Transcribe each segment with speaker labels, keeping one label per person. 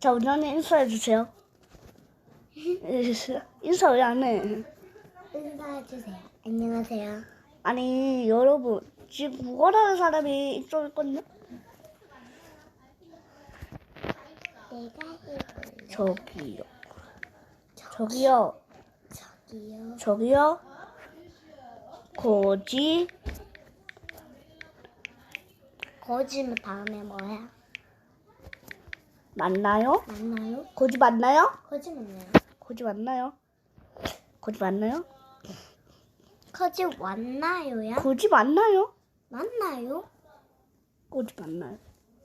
Speaker 1: 자, 원장님 인사해주세요. 인사 왜 안 해?
Speaker 2: 인사해주세요. 안녕하세요.
Speaker 1: 아니, 여러분, 지금 구걸하는 사람이 이쪽에 있거든요?
Speaker 2: 내가 해볼래.
Speaker 1: 저기요. 저기요.
Speaker 2: 저기요.
Speaker 1: 저기요.
Speaker 2: 거짓말 다음에 뭐야?
Speaker 1: 맞나요?
Speaker 2: 맞나요?
Speaker 1: 거지 맞나요?
Speaker 2: 거짓말이요.
Speaker 1: 거지 맞나요? 거지 맞나요?
Speaker 2: 거짓 왔나요야?
Speaker 1: 거지 맞나요?
Speaker 2: 맞나요?
Speaker 1: 거지 맞나요?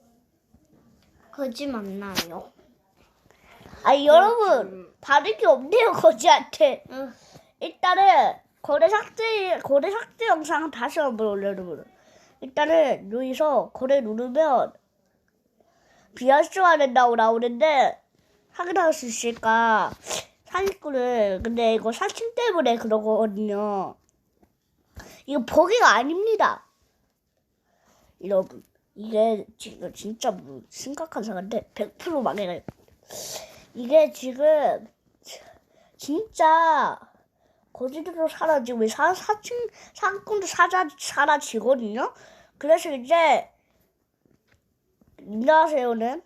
Speaker 2: 거짓 맞나요?
Speaker 1: 아니, 여러분, 다른 게 없네요, 거지한테.
Speaker 2: 응.
Speaker 1: 일단은 거래 삭제 영상 다시 한번 올려요, 여러분. 일단은 여기서 거래 누르면 비활성화 된다고 나오는데 확인할 수 있을까? 사기꾼을 근데 이거 사칭 때문에 그런 거거든요. 이거 버기가 아닙니다. 여러분, 이게 지금 진짜 심각한 사건인데 100% 망해가요. 이게 지금 진짜 거지들도 사라지고 사기꾼도 사라지거든요. 그래서 이제 안녕하세요는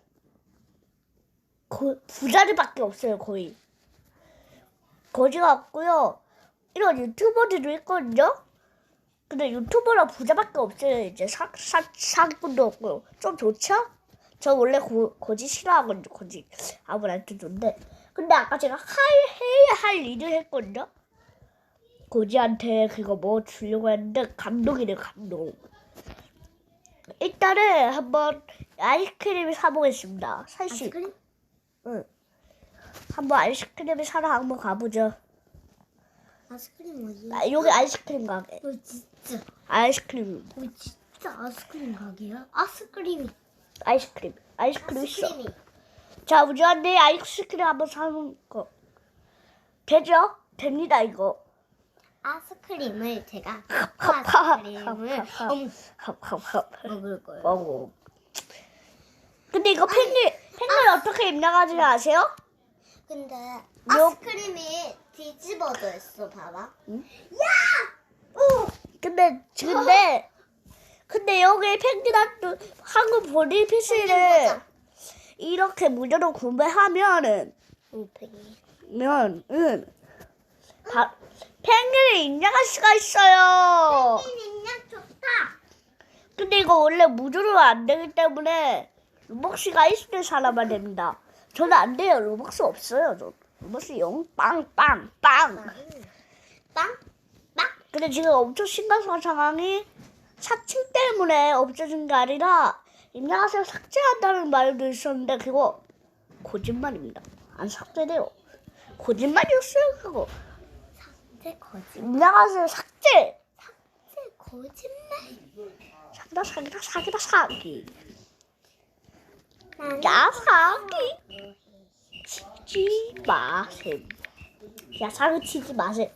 Speaker 1: 부자들밖에 없어요. 거의 거지가 없고요. 이런 유튜버들도 있거든요. 근데 유튜버랑 부자밖에 없어요. 이제 사기꾼도 없고 좀 좋죠? 저 원래 거지 싫어하거든요. 거지 아무한테 좋은데 근데 아까 제가 해야 할 일을 했거든요. 거지한테 그거 뭐 주려고 했는데 감동이네, 감동. 일단은 한번 아이스크림을 사보겠습니다. 사실
Speaker 2: 아이스크림?
Speaker 1: 응. 한번 아이스크림을 사러 한번 가보죠.
Speaker 2: 아이스크림 뭐지?
Speaker 1: 여기 아이스크림 가게.
Speaker 2: 진짜.
Speaker 1: 아이스크림
Speaker 2: 진짜 아이스크림 가게야?
Speaker 1: 아이스크림 있어.
Speaker 2: 아이스크림이.
Speaker 1: 자, 우주한테 아이스크림 한번 사는 거 되죠? 됩니다, 이거.
Speaker 2: 아이스크림을 제가
Speaker 1: 아이스크림을
Speaker 2: 먹을 거예요.
Speaker 1: 먹어. 근데 이거 펭귄 어떻게 입나가는지 아세요?
Speaker 2: 근데 아이스크림이 뒤집어져 있어, 봐봐.
Speaker 1: 응?
Speaker 2: 야!
Speaker 1: 근데 여기 펭귄한테 한국 보리 PC를 이렇게 무료로 구매하면은 펭귄을 입력할 수가 있어요.
Speaker 2: 펭귄 입력 좋다.
Speaker 1: 근데 이거 원래 무료로 안 되기 때문에 로벅스가 있을 사람만 됩니다. 저는 안 돼요. 로벅스 없어요. 저 로벅스 영 빵빵빵.
Speaker 2: 빵?
Speaker 1: 근데 지금 엄청 심각한 상황이 사칭 때문에 없어진 게 아니라 입력하세요 삭제한다는 말도 있었는데 그거 거짓말입니다. 안 삭제돼요. 거짓말이었어요 그거.
Speaker 2: 삭제 거짓말.
Speaker 1: 입력하세요 삭제.
Speaker 2: 삭제 거짓말.
Speaker 1: 사기. 야 사기 치지 마세요. 야 사기 치지 마세요.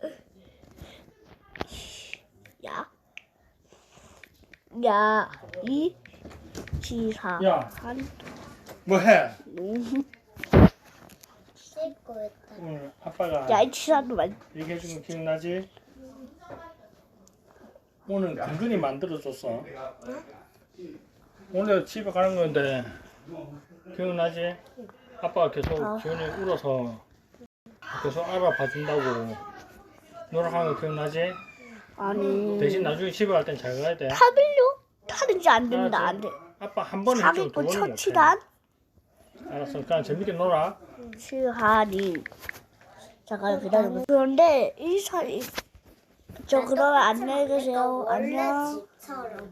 Speaker 1: 이 지사
Speaker 3: 야.
Speaker 1: 한
Speaker 3: 뭐해?
Speaker 2: 씻고 있다.
Speaker 3: 오늘 아빠가
Speaker 1: 야 이 지사도 말
Speaker 3: 얘기해준 거 기억나지? 오늘 당근이 만들어줬어. 오늘 집에 가는 건데 기억나지? 아빠가 계속 지훈이 울어서 계속 알아봐준다고 노력하는 거 기억나지?
Speaker 1: 아니
Speaker 3: 대신 나중에 집에 갈 땐 잘 가야 돼.
Speaker 1: 타빌로 타든지 안 됩니다. 안 돼.
Speaker 3: 아빠 한 번에 했죠. 두
Speaker 1: 사기꾼
Speaker 3: 번은 못해.
Speaker 1: 처치단
Speaker 3: 알았어. 그냥 재밌게 놀아.
Speaker 1: 시하니 잠깐 기다려보세요. 그런데 저 그러면 안녕히 계세요. 안녕.
Speaker 2: 집처럼.